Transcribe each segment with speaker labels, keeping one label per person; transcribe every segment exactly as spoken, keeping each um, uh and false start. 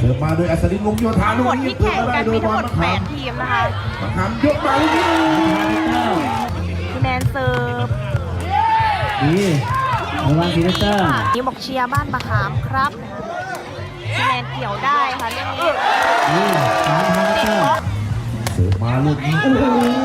Speaker 1: สิร์ฟมาโดยอัศดินวงศ์โยธาลูก
Speaker 2: หมด
Speaker 1: นี้
Speaker 2: ที่แข่งกันมีทั้งหมดแปดทีมนะคะ
Speaker 1: มะขามยกมาลูกนี้
Speaker 2: คะแนนเซิร์ฟ
Speaker 3: ดีระวังทีเตอร์
Speaker 2: นี่บอกเชียร์บ้านมะขามครับคะแนนเกี่ยวได้ค่ะเรื่องนี้
Speaker 3: ดีสามพันเตอร์
Speaker 1: เสิร์ฟมาลูกนี้โอ้โห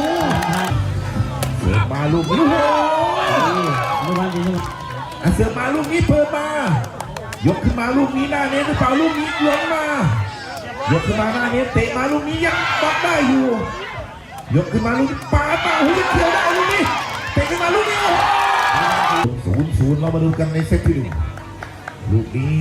Speaker 1: เสิร์ฟมาลูกนี้โอ้โห
Speaker 3: ระวังทีนี้
Speaker 1: อ่ะเสิร์ฟมาลูกนี้เปิดมายกขึ้นมาลูกนี้หน้าเน็ตหรือเปล่าลูกนี้หลงมายกขึ้นมาหน้าเน็ตเตะมาลูกนี้ยังบล็อกได้อยู่ยกขึ้นมาลูกนี้ปาปาหูยังเขียวได้ลูกนี้เตะขึ้นมาลูกนี้โอ้โหศูนย์ศูนย์เรามาดูกันในเซตที่หนึ่งลูกนี้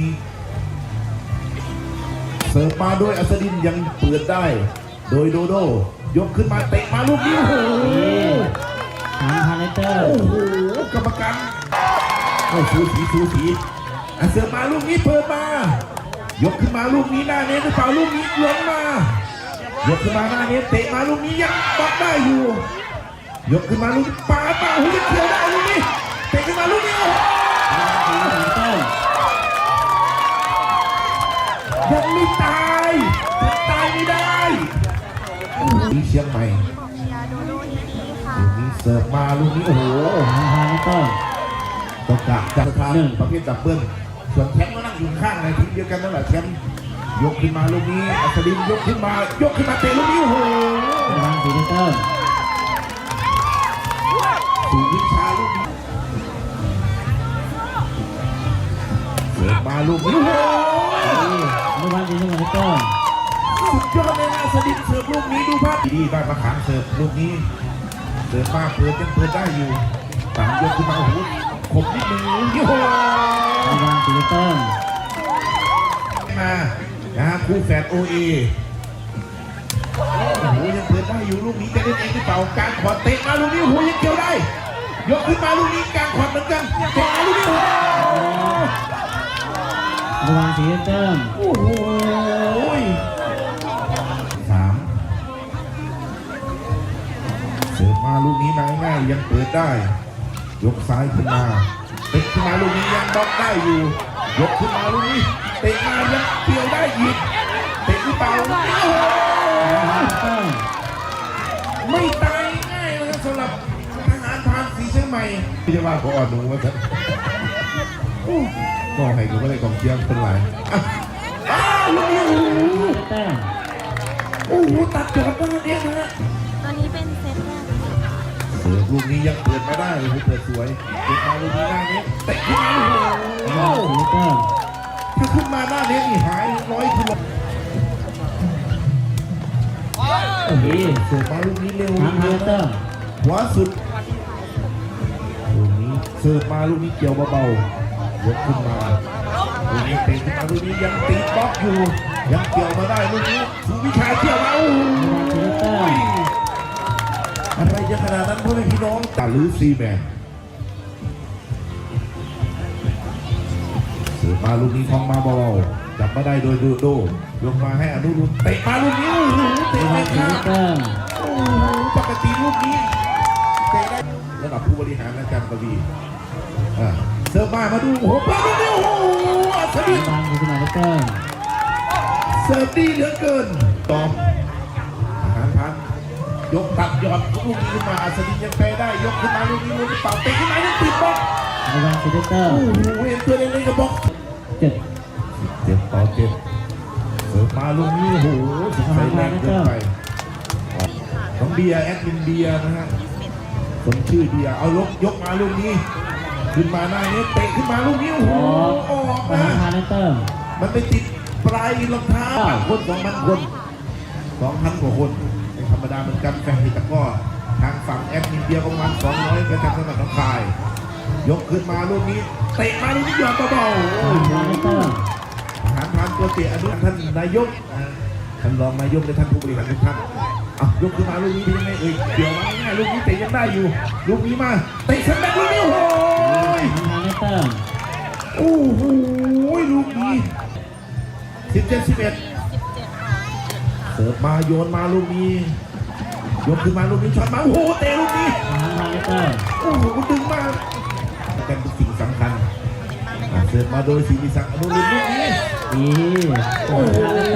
Speaker 1: เสิร์ฟมาโดยอัศดินยังเปิดได้โดยโดโดยกขึ้นมาเตะมาลูกนี้โอ้โห
Speaker 3: สามพันเตอร์
Speaker 1: โอ้โหกรรมการโอ้สูสีสูสีอ่ะเสิร์ฟมาลูกนี้เปิดมายกขึ้นมาลูกนี้หน้าเน็ตหรือเปล่าลูกนี้หลงมายกขึ้นมาหน้าเน็ตเตะมาลูกนี้ยังบล็อกได้อยู่ยกขึ้นมาลูกนี้ปาปาหูยังเขียวได้ลูกนี้เตะขึ้นมาลูกนี้โอ้โหยังไม่ตายยังตายไม่ได้นี่เชียงใหม่
Speaker 2: บอกเชียร์โดโดนี่ค่ะ
Speaker 1: ลูกนี้เสิร์ฟมาลูกนี้โอ้โห
Speaker 3: สามพันเตอร์
Speaker 1: ต้องกะจับทางประเภทดับเบิ้ลส่วนแชมป์ก็นั่งอยู่ข้างในทีมเดียวกันนั่นแหละแชมป์ยกขึ้นมาลูกนี้อัศดินยกขึ้นมายกขึ้นมาเตะลูกนี้โอ้โห
Speaker 3: ระวังทีเตอร์
Speaker 1: สู่วิชาลูกนี้เสิร์ฟมาลูกนี้โอ้โห
Speaker 3: ระวังทีเตอร์
Speaker 1: สุดยอดเลยนะอัศดินเสิร์ฟลูกนี้ดูภาพดีบ้านมะขามเสิร์ฟลูกนี้เสิร์ฟมาเปิดยังเปิดได้อยู่ตามยกขึ้นมาโอ้โหขมนิดนึงโอ้โห
Speaker 3: ระวังทีเตอร์
Speaker 1: มานะคู่แฝดโอเอโอ้โหยังเปิดได้อยู่ลูกนี้จะเล่นเองหรือเปล่าการขวาเตะมาลูกนี้โอ้โหยังเกี่ยวได้ยกขึ้นมาลูกนี้การขวาเหมือนกันเตะมาลูกนี้โอ้โห
Speaker 3: ระวังทีเตอร์
Speaker 1: โอ้โหสามเสิร์ฟมาลูกนี้มาง่ายๆยังเปิดได้ยกซ้ายขึ้นมาเตะขึ้นมาลูกนี้ยังบล็อกได้อยู่ยกขึ้นมาลูกนี้เตะมายังเกี่ยวได้อีกเตะหรือเปล่าโอ้โหไม่ตายง่ายเลยสำหรับทหารพรานสีเชียงใหม่ไม่ใช่ว่าขออ่อนหนูว่าจะก็ให้กูไม่ได้กองเชียร์เป็นไรอ้าวลูกนี้โอ้โหตัดจอดได้เองนะฮะ
Speaker 2: ตอนนี้เป็นเซตแรก
Speaker 1: เสิร์ฟลูกนี้ยังเปิดไม่ได้เลยเปิดสวยเปิดมาลูกนี้หน้านี้เตะขึ้นมาโอ้โห
Speaker 3: ทีเตอร์
Speaker 1: ถ้าขึ้นมาหน้านี้นี่หายร้อยกิโลโอ้โหเสิร์ฟมาลูกนี้เร็ว
Speaker 3: สามพันเตอร์
Speaker 1: ขวาสุดลูกนี้เสิร์ฟมาลูกนี้เกี่ยวเบาๆยกขึ้นมาลูกนี้เตะขึ้นมาลูกนี้ยังตีบล็อกอยู่ยังเกี่ยวมาได้ลูกนี้สุวิชาเกี่ยวมาโอ้โหอะไรจะขนาดนั้นพ่อแม่พี่น้องตาลือซีแมนเสิร์ฟมาลูกนี้คล้องมาเบาๆจับมาได้โดยดูโดยกมาให้อนุรุณเตะมาลูกนี้โอ้โหเตะ
Speaker 3: ระวั
Speaker 1: ไม่
Speaker 3: งที
Speaker 1: ข้าม
Speaker 3: เตอร์
Speaker 1: โอ้โหปกติลูกนี้เตะได้ระดับผู้บริหารอาจารย์กวีอ่าเสิร์ฟมามาดูโอ้โหปาลูกนี้โอ้โหอัศดิน
Speaker 3: ระวังทีเตอร์
Speaker 1: เสิร์ฟดีเหลือเกินตอมอาหารพันยกตัดยอดลูกนี้ขึ้นมาอัศดินยังแพ้ได้ยกขึ้นมาลูกนี้ลูกนี้เปล่าเตะขึ้นมายังติดบล็อก
Speaker 3: ระวังทีเตอร์
Speaker 1: โอ้โหเห็นตัวเล็กๆกับบล็อก
Speaker 3: เจ็ด
Speaker 1: เจ็บต่อเจ็บเสิร์ฟมาลูกนี้โอ้โหใส่แรงเกินไปน้องเบียร์แอดมินเบียร์นะฮะคนชื่อเบียร์เอาลกยกมาลูกนี้ขึ้นมาหน้านี้เตะขึ้นมาลูกนี้โอ้โหออก
Speaker 3: สา
Speaker 1: นะ
Speaker 3: มพันเตอร์
Speaker 1: มันไปติดปลายรองเท้าคนสองพันคนสองพันกว่าคนเป็นธรรมดาเหมือนกันแฟนตะก้อทางฝั่งแอดมินเบียร์ประมาณสองร้อยกระจัดสนับน้องคายยกขึ้นมาลูกนี้เตะมาลูกนี้หยอดเบาๆ
Speaker 3: สามพันเตอร์
Speaker 1: ทหารพรานตัวเตี้ยอนุท่านนายกท่านรองนายกและท่านผู้บริหารทุกท่านอ่ะยกขึ้นมาลูกนี้เป็นยังไงเอ่ยเดี๋ยวมาง่ายๆลูกนี้เตะยังได้อยู่ลูกนี้มาเตะฉันแบกลูกนี้โอ้โห
Speaker 3: สามพันเตอร์
Speaker 1: โอ้โหลูกนี้สิบเจ็ดสิบเอ็ดเสิร์ฟมาโยนมาลูกนี้ยกขึ้นมาลูกนี้ช็อตมาโอ้โหเตะลูกนี้
Speaker 3: สามพันเตอร์
Speaker 1: โอ้โหดึงมาเป็นสิ่งสำคัญเสิร์ฟมาโดยศรีนิศักดิ์อนุรุณลูกนี้
Speaker 3: ดี
Speaker 1: โอ้โห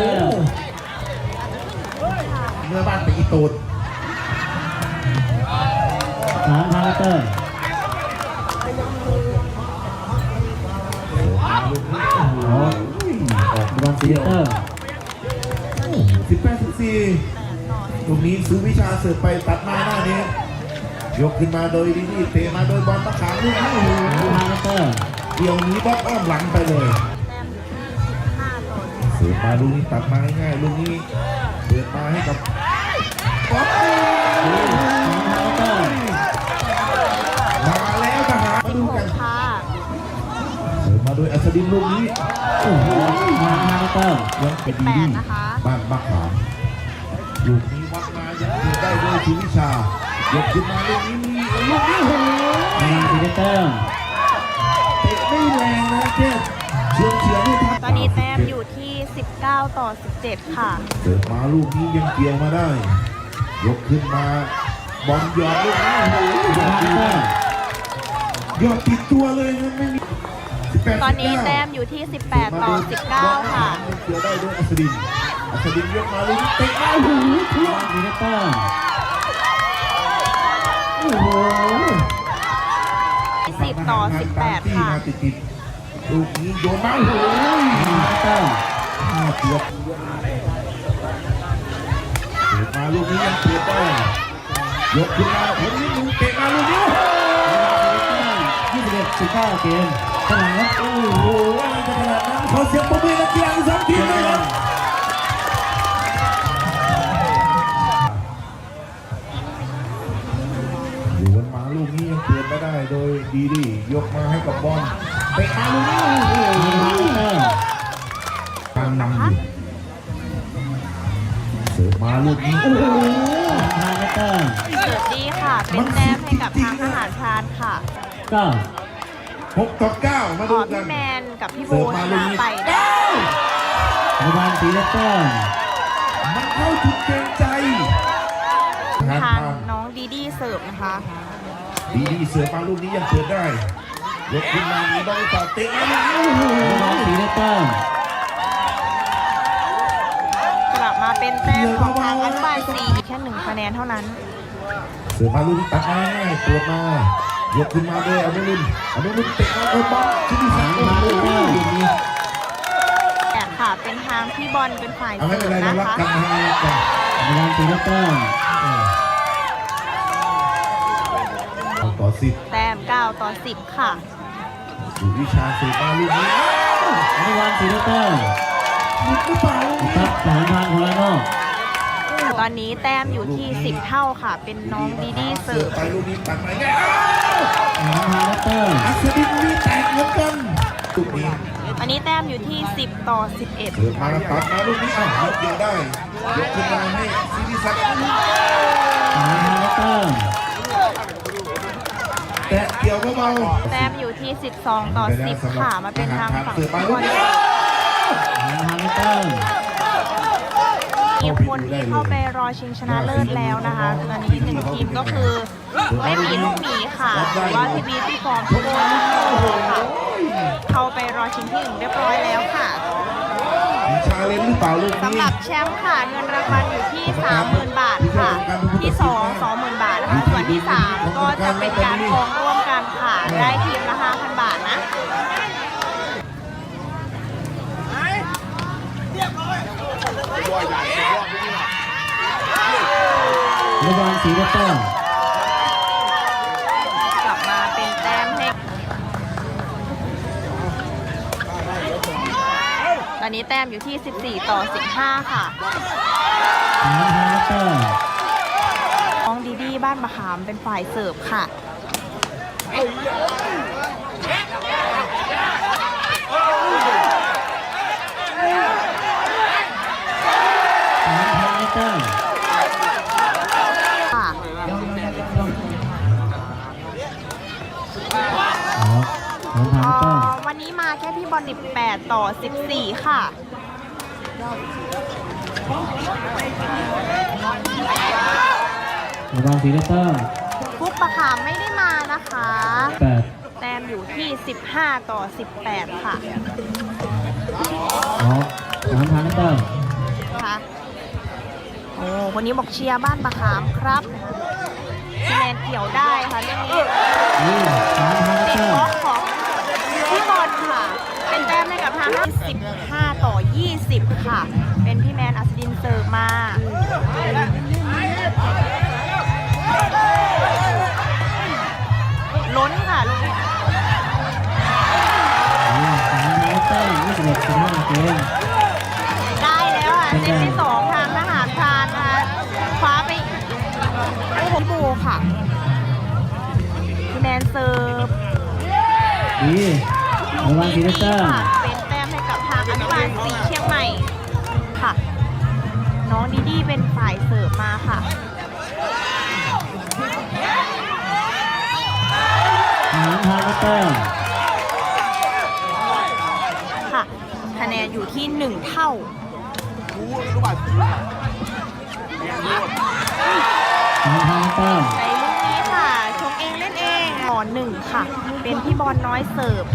Speaker 3: ระวังสีเตอร์
Speaker 1: สิบแปดสิบสี่ตรงนี้ซื้อวิชาเสิร์ฟไปตัดมาหน้านี้ยกขึ้นมาโดยดีดีเตะมาโดยบอลตะขางลูกนี้โอ้โห
Speaker 3: ทางเตอร์
Speaker 1: เกี่ยวนี้บอลอ้อมหลังไปเลยเสิร์ฟมาลูกนี้ตัดมาง่ายๆลูกนี้เปิดมาให้กับบอล
Speaker 3: ทางเตอร์
Speaker 1: มาแล้วทหารมาดูกัน
Speaker 2: ค่ะ
Speaker 1: เสิร์ฟมาโดยอัศดินลูกนี้โอ้โห
Speaker 3: ทางเตอร์
Speaker 1: ยังเป็นดีดีบ้านบักขามลูกนี้วัดมายังเกิดได้โดยชูวิชายกขึ้นมาลูกนี้มีลูกนี้โอ้โห
Speaker 3: ทางสีเตอร์
Speaker 1: เตะไม่แรงนะแค่เฉียวเฉียวไม่ทัน
Speaker 2: ตอนนี้แต้มอยู่ที่สิบเก้าต่อสิบเจ็ดค่ะ
Speaker 1: เสิร์ฟมาลูกนี้ยังเกี่ยวมาได้ ยกขึ้นมาบอลหยอดลูกนี้โอ้โหหยอด
Speaker 3: ทาง
Speaker 1: ดี
Speaker 3: เตอ
Speaker 1: มาก
Speaker 3: ร์
Speaker 1: หยอดติดตัวเลยนะไม่มีสิบแปด
Speaker 2: ตอนนี้
Speaker 1: สิบ
Speaker 2: แต้
Speaker 1: เก้า
Speaker 2: มอยู่ที่สิบแปดต่อสิบเก้าค่ะ
Speaker 1: เกี่ยวได้ด้วยอัศดินอัศดินยกมาลูกนี้เตะมาโอ้โหทะลุ
Speaker 3: สีเตอร์
Speaker 1: โอ้โห
Speaker 2: สิบต่อสิบแปดค่ะ
Speaker 1: มาติดๆลูกนี้โยนมาโอ้โห
Speaker 3: ทางเตอร์
Speaker 1: ห้าเกือบเตะมาลูกนี้ยังเตะได้ยกขึ้นมาผมนี่มึงเตะมาลูกนี้
Speaker 3: ยี่สิบเอ็ดสิบเก้าเกมขนาดนั้น
Speaker 1: โอ้โหอะไรจะขนาดนั้นขอเสียงปรบมือนักกีฬาทั้งสองทีมเลยครับอยู่กันมาลูกนี้ยังเปลี่ยนไม่ได้โดยดีดียกมาให้กับบอลเตะมาลูกนี้โอ้โห
Speaker 3: ทางเตอร์
Speaker 1: ตามนำอยู่เสิร์ฟมาลูกนี้โอ้โห
Speaker 3: ทางเตอร์
Speaker 2: เสิร์ฟดีค่ะ เป็นแต้มให้กับทางทหารพรานค่ะ
Speaker 3: เก้า
Speaker 1: หกต่อเก้ามา
Speaker 2: อ๋
Speaker 1: ดู
Speaker 2: อ
Speaker 1: กั
Speaker 2: พี่
Speaker 1: น
Speaker 2: แมนกับพี่โบ
Speaker 1: เสิร์ฟมา
Speaker 2: ช
Speaker 1: ลูก
Speaker 2: นะ
Speaker 1: นี้
Speaker 2: ไปได้
Speaker 3: ระวังสีเตอร์
Speaker 1: มันเข้าจุดเกรงใจ
Speaker 2: ทางน้องดีดีเสิร์ฟนะคะ
Speaker 1: ดีดีเสิร์ฟมาลูกนี้ยังเปิดได้ยกขึ้นมามีบอลต่อเตะมาลูกนี้โอ้โห
Speaker 3: ระวังสีเตอร์
Speaker 2: กลับมาเป็นแต้มของทางอันฟายซีอีกแค่หนึ่งคะแนนเท่านั้น
Speaker 1: เสิร์ฟมาลูกนี้ตัดมาง่ายๆเปิดมายกขึ้นมาด้วยอนุรุณอนุรุณเตะมาเออบอลที่ดีสักโอ้โหลูกนี้
Speaker 2: แต่ค่ะ เป็นทางพี่บอลเป็นฝ่าย
Speaker 1: เอา
Speaker 2: เสิ
Speaker 1: ไม่
Speaker 2: ร์
Speaker 1: เป็น
Speaker 2: ฟ
Speaker 1: ไรเรา
Speaker 2: นะ
Speaker 1: รัก
Speaker 2: คะ
Speaker 1: กันนะรักกัน
Speaker 3: ระวังสีเตอร์
Speaker 1: เอาต่อสิบ
Speaker 2: แต้มเก้าต่อสิบค่ะ
Speaker 1: ดูวิชาเสิร์ฟมาลูกนี้
Speaker 3: ระวังสีเตอร์
Speaker 1: หลุดหรือเปล่า
Speaker 3: ครับสามพันคนละนอก
Speaker 2: ตอนนี้แต้มอยู่ที่สิบเท่าค่ะ เป็นน้องดีดีเสิร์ฟ
Speaker 1: ไปลูกนี้ตัดมาง่ายอ้าว
Speaker 3: สามพันเตอร์
Speaker 1: อัศดินมีแตกเหมือนกันลูกนี้
Speaker 2: อันนี้แต้มอยู่ที่สิบต่อสิบเอ็ด
Speaker 1: เสิร์ฟมาตัดมาลูกนี้อ้าวยกเดียวได้ยกขึ้นมาให้ซิริศักดิ์
Speaker 3: สามพันเตอร์
Speaker 1: แตะเกี่ยวเบา
Speaker 2: แต้มอยู่ที่สิบสองต่อสิบค่ะ มาเป็นทางฝั่ง
Speaker 1: เสิร์ฟมา
Speaker 2: พี่บ
Speaker 1: ลู
Speaker 2: อก ล
Speaker 1: นี้
Speaker 3: สามพันเตอร์
Speaker 2: ทีมคนที่เข้าไปรอชิงชนะเลิศแล้วนะคะตอนนี้หนึ่งทีมก็คือไม่มีลูกหมีค่ะหรือว่าทีบีที่ฟอร์มพี่โบที่โตค่ะ เข้าไปรอชิงที่หนึ่งเรียบร้อยแล้วค่ะ
Speaker 1: มีชาเลนจ์หรือเปล่าลูก
Speaker 2: สำ
Speaker 1: นี้
Speaker 2: หรับแชมป์ค่ะเงินรางวัลอยู่ที่ สามหมื่น บาทค่ะ ที่สอง สองหมื่น บาทนะคะส่วนที่สามก็จะเป็นการกองร่วมกันค่ะ ได้ทีมละ ห้าพัน บาทนะ
Speaker 3: ระวังสีเตอร์
Speaker 2: กลับมาเป็นแต้มให้ตอนนี้แต้มอยู่ที่สิบสี่ต่อสิบห้าค่ะ
Speaker 3: สามพันเตอร์
Speaker 2: น้องดีดีบ้านมะขามเป็นฝ่ายเสิร์ฟค่ะ
Speaker 3: สามพันเตอร์
Speaker 2: ค่ะ
Speaker 3: อ๋อสามพันเตอร์
Speaker 2: วันนี้มาแค่พี่บอลสิบแปดต่อสิบสี่ค่ะ
Speaker 3: ระวังสีเตอร์
Speaker 2: ฟุกมะขามไม่ได้มานะคะ
Speaker 3: แปด
Speaker 2: แต้มอยู่ที่สิบห้าต่อสิบแปดค่ะ
Speaker 3: อ๋อสามพันเตอร์
Speaker 2: ค่ะโอ้คนนี้บอกเชียร์บ้านมะขามครับคะแนนเกี่ยวได้ค่ะเรื่องนี้
Speaker 3: นี่สามพัน
Speaker 2: ติ
Speaker 3: เต
Speaker 2: ด
Speaker 3: อร์
Speaker 2: บล็อกของพี่บอลค่ะ เป็นแต้มให้กับทางสิบห้าต่อยี่สิบค่ะ เป็นพี่แมนอัศดินเสิร์ฟมาล้นค่ะลูกนี้
Speaker 3: สามร้อยแต้มยี่สิบเอ็ดสิบห้าเกม
Speaker 2: ได้แล้วค่ะเซตที่สองทางทหารพรานนะคะคว้าไปโอ้โหบูค่ะพี่แมนเสิร์ฟ
Speaker 3: ดีระวังซีเนเตอร์
Speaker 2: ค่ะเป็นแต้มให้กับทางอนุบาลสีเชียงใหม่ค่ะน้องดีดีเป็นฝ่ายเสิร์ฟมาค่ะ
Speaker 3: ทหารพานแต้ม
Speaker 2: ค่ะคะแนนอยู่ที่หนึ่งเท่า
Speaker 3: ทหารพานแต้ม
Speaker 2: ในลูกนี้ค่ะชงเองเล่นเองต่อหนึ่งค่ะ เป็นพี่บอลน้อยเสิร์ฟ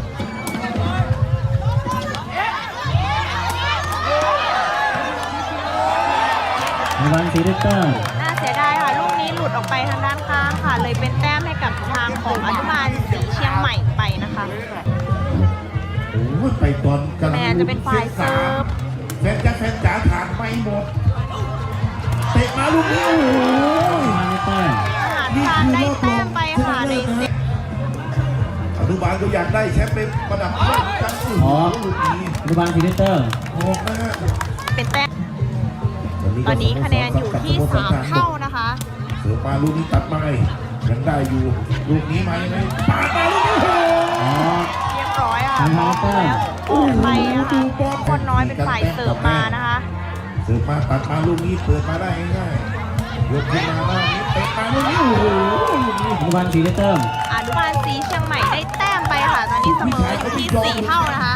Speaker 3: ระวังซีเนเตอร์
Speaker 2: น่าเสียดายค่ะลูกนี้หลุดออกไปทางด้านข้างค่ะ เลยเป็นแต้มให้กับทางของอนุบาลสีเชียงใหม่ไปนะคะ
Speaker 1: โอ้ยไปตอนกำลัง
Speaker 2: แมนจะเป็นฝ่ายเสิร์ฟ
Speaker 1: แฟนจ้าแฟนจ๋าถานไม่หมดเตะมาลูกนี้โอ้โห
Speaker 3: พานแต้ม
Speaker 2: ทหารพรานได้แต้มไปค่ะในเซต
Speaker 1: อนุบาลก็อยากได้แชมป์เป็นประดับโลกกันโอ้โหลูกนี้
Speaker 3: ระวังซีเนเตอร์
Speaker 1: ออกนะฮะ
Speaker 2: เป็นแต้มตอนนี้คะแนนอยู่ที่สามเท่านะคะ
Speaker 1: เสือมาลูกนี้ตัดไม้ยังได้อยู่ลูกนี้ไหมไหมปาดมาลูกนี้โอ้โห
Speaker 3: อ๋อ
Speaker 2: เรียบร้อยค่ะบล็อกแล้วออกไปนะคะคนน้อยเป็นฝ่ายเสิร์ฟมานะคะ
Speaker 1: เสือมาตัดมาลูกนี้เปิดมาได้ง่ายๆยกขึ้นมาได้นี้เตะมาลูกนี้โอ้โหลูกนี้
Speaker 3: ระวังซีเนเตอร์
Speaker 2: อนุบาลสีเชียงใหม่ได้แต้มไปค่ะ ตอนนี้เสมออยู่ที่สี่เท่านะคะ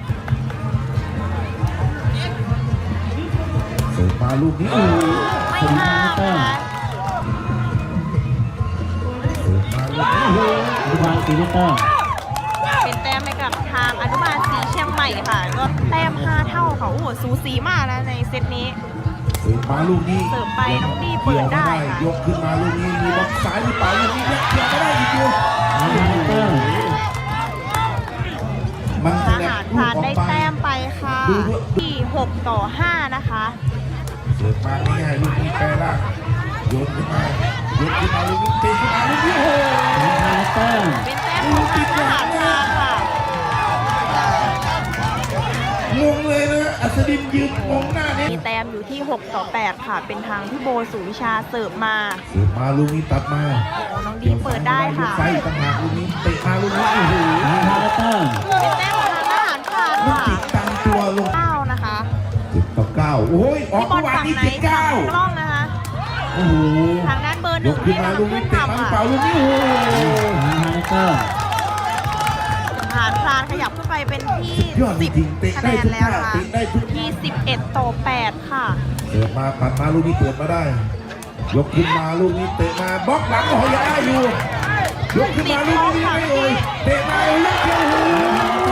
Speaker 1: เสือมาลูกนี้โอ้โห
Speaker 2: ไม่ห้ามนะคะ
Speaker 1: เสือมาลูกนี้โอ้โห
Speaker 3: ระวังซีเนเตอร์
Speaker 2: เป็นแต้มให้กับทางอนุบาลสีเชียงใหม่ค่ะ ก็แต้มห้าเท่าค่ะ โอ้โหสูสีมากนะในเซตนี้
Speaker 1: เสือมาลูกนี้
Speaker 2: เสิร์ฟไปน้องดีเปิดได้ค่ะ
Speaker 1: ยกขึ้นมาลูกนี้มีบล็อกซ้ายหรือเปล่าลูกนี้ยังเกี่ยวไม่ได้อีกอยู่
Speaker 3: ทหารเตอร์
Speaker 1: มัน
Speaker 2: ท
Speaker 1: แสด
Speaker 2: หาง ร
Speaker 1: ลู
Speaker 2: พราก น
Speaker 1: ออ
Speaker 2: ได้
Speaker 1: กไป
Speaker 2: แต้มไปค่ะที่หกต่อห้านะคะ
Speaker 1: เสิร์ฟมาง่ายๆลูกนี้แปรล่างโยนขึ้นมายกขึ้นมาลูกนี้เตะขึ้นมาลูกนี้โอ้โห
Speaker 3: ทหารเตอร์
Speaker 2: เป็นแต้มของทางทหารพรานค่ะ
Speaker 1: งงเลยนะอัศดินยืนมองหน้าเนี่ย
Speaker 2: มีแต้มอยู่ที่หกต่อแปดค่ะ เป็นทางพี่โบสุวิชาเสิร์ฟมา
Speaker 1: เสิร์ฟมาลูกนี้ตัดมา
Speaker 2: โอ้น้องดีเปิดได้ค่ะ
Speaker 1: ใส่ต่างหากลูกนี้เตะมาลูกนี้โอ้โห
Speaker 3: ทหารเตอร์
Speaker 2: เป็นแต้มของทางทหารพราน
Speaker 1: ลูก
Speaker 2: ค่ะ
Speaker 1: ติดตามตัวลง
Speaker 2: เก้านะคะ
Speaker 1: เจ็ดต่อเก้าโอ้ยออก
Speaker 2: พี่บอ
Speaker 1: เมื่
Speaker 2: ล
Speaker 1: อวาน
Speaker 2: ฝั่ง
Speaker 1: นี้
Speaker 2: ไหน
Speaker 1: เจ็ดเก้า
Speaker 2: ฝั่งกล้องนะคะ
Speaker 1: โอ้โห
Speaker 2: ทางด้านเบอร์ห
Speaker 1: ย
Speaker 2: นึ่ง
Speaker 1: กขึ้น
Speaker 2: ให้
Speaker 1: มา
Speaker 2: ทาง
Speaker 1: ลูก
Speaker 2: ขึ้
Speaker 1: นี้
Speaker 2: น
Speaker 1: เตะมา
Speaker 2: ทำ
Speaker 1: เป
Speaker 2: ค่ะ
Speaker 1: ล่าลูกนี้โอ้โห
Speaker 3: ทหารเตอร์
Speaker 2: ทหารพรานขยับขึ้นไปเป็นที่
Speaker 1: ยอดจ
Speaker 2: สิบ
Speaker 1: ริงๆเตะ
Speaker 2: คะ
Speaker 1: ได้
Speaker 2: แนน
Speaker 1: ทุก
Speaker 2: แล้ว
Speaker 1: ท่า
Speaker 2: นะคะ
Speaker 1: เตะได้ทุก
Speaker 2: ที่สิบเอ็ดต่อแปดค่ะ
Speaker 1: เสิร์ฟมาตัดมาลูกนี้เปิดมาได้ ยกขึ้นมาลูกนี้เตะมาบล็อกหลังโอ้โหยังได้อยู่ยกขึ้นมาลูกนี้ไม่เอ่ยเตะมาลูกเดียวโอ้โห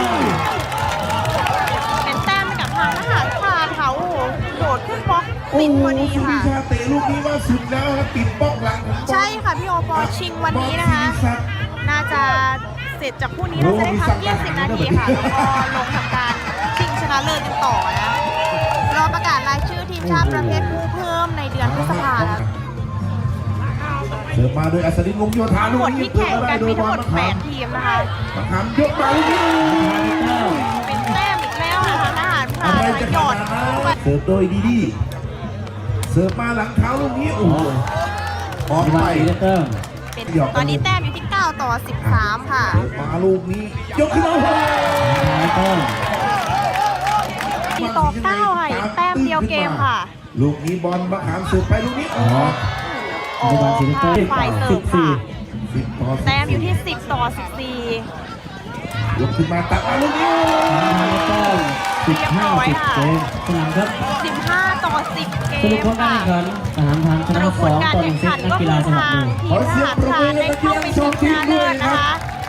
Speaker 2: เป็นแต้มให้กับทางทหารพรานค่ะโอ้โหโดดขึ้นบล็อก
Speaker 1: โอ้
Speaker 2: ติด
Speaker 1: โห
Speaker 2: พอดี
Speaker 1: สุวิ
Speaker 2: ค่ะ
Speaker 1: ชาเตะลูกนี้ว่าสุดแล้วครับติดบล็อกหลังของบอล
Speaker 2: ใช่ค่ะพี่โอปอชิงวันนี้นะคะ น่าจะเสร็จจากคู่นี้น่าจะได้พักยี่สิบนาทีค่ะ แล้วก็ลงทำการชิงชนะเลิศกันต่อนะ รอประกาศรายชื่อทีมชาติประเภทผู้เพิ่มในเดือนพฤษภาคม
Speaker 1: เสิร์ฟมาโดยอัศดินวงศ์โยธา
Speaker 2: ทั้ง
Speaker 1: ลู
Speaker 2: ห
Speaker 1: ก
Speaker 2: มด
Speaker 1: นี้
Speaker 2: ที่แข่งกันมีทั้งหมดแปด
Speaker 1: ม
Speaker 2: ทีมนะคะ
Speaker 1: ะขามยกมาลูกนี้
Speaker 2: เป็นแต้มอีกแล้วนะคะทหารพรา
Speaker 1: อะไร
Speaker 2: น
Speaker 1: จะ
Speaker 2: หย
Speaker 1: ข
Speaker 2: อด
Speaker 1: นาดนั้นเสิร์ฟโดยดีดีเสิร์ฟมาหลังเท้าลูกนี้โอ้โหออก
Speaker 3: ระ
Speaker 1: ไป
Speaker 3: วังซีเนเตอร์
Speaker 2: เป็นตอนนี้แต้มอยู่ที่เก้าต่อสิบสามค่ะ
Speaker 1: เสิร์ฟมาลูกนี้ยกขึ้นมาโอ้โห
Speaker 3: ทหารเตอร์
Speaker 2: สี่ต่อเก้าค่ะอีกแต้มเดียวเกมค่ะ
Speaker 1: ลูกนี้บอลมะขามเสิร์ฟไปลูกนี้ออก
Speaker 2: โอ้
Speaker 3: ระวังซีเนเตอร์
Speaker 2: ฝ่ายเสิ
Speaker 3: สิ
Speaker 2: ร์
Speaker 3: บ
Speaker 2: ฟ
Speaker 3: สี่
Speaker 2: ค่ะ
Speaker 1: สิบต่อสิบ
Speaker 2: แต้มอยู่ที่สิบต่อสิบสี่
Speaker 1: ยกขึ้นมาตัดมาลูกนี้
Speaker 3: ทหารเตอร์สิบห้าสิบเกมสนามครับ
Speaker 2: สิบห้าต่อสิบเก
Speaker 3: สรุป
Speaker 2: ม
Speaker 3: ผลการ
Speaker 2: ค่ะ
Speaker 3: แข่งขันทหารพรานช
Speaker 2: ส
Speaker 3: นะ
Speaker 2: รุป
Speaker 3: ส
Speaker 2: ผ
Speaker 3: อ
Speaker 2: ล
Speaker 3: ง
Speaker 2: การ
Speaker 3: ต่อห
Speaker 2: แข่
Speaker 3: นึ่
Speaker 2: ง
Speaker 3: งเซ
Speaker 2: ขั
Speaker 3: ต
Speaker 2: น
Speaker 3: นัก
Speaker 2: ก็
Speaker 3: กี
Speaker 2: คื
Speaker 3: ฬา
Speaker 2: อ
Speaker 3: สมัค
Speaker 2: ทาร ง
Speaker 3: หนึ่ง
Speaker 2: ทีมทหารพรานได้เข้าไปชิงชนะเลิศนะคะ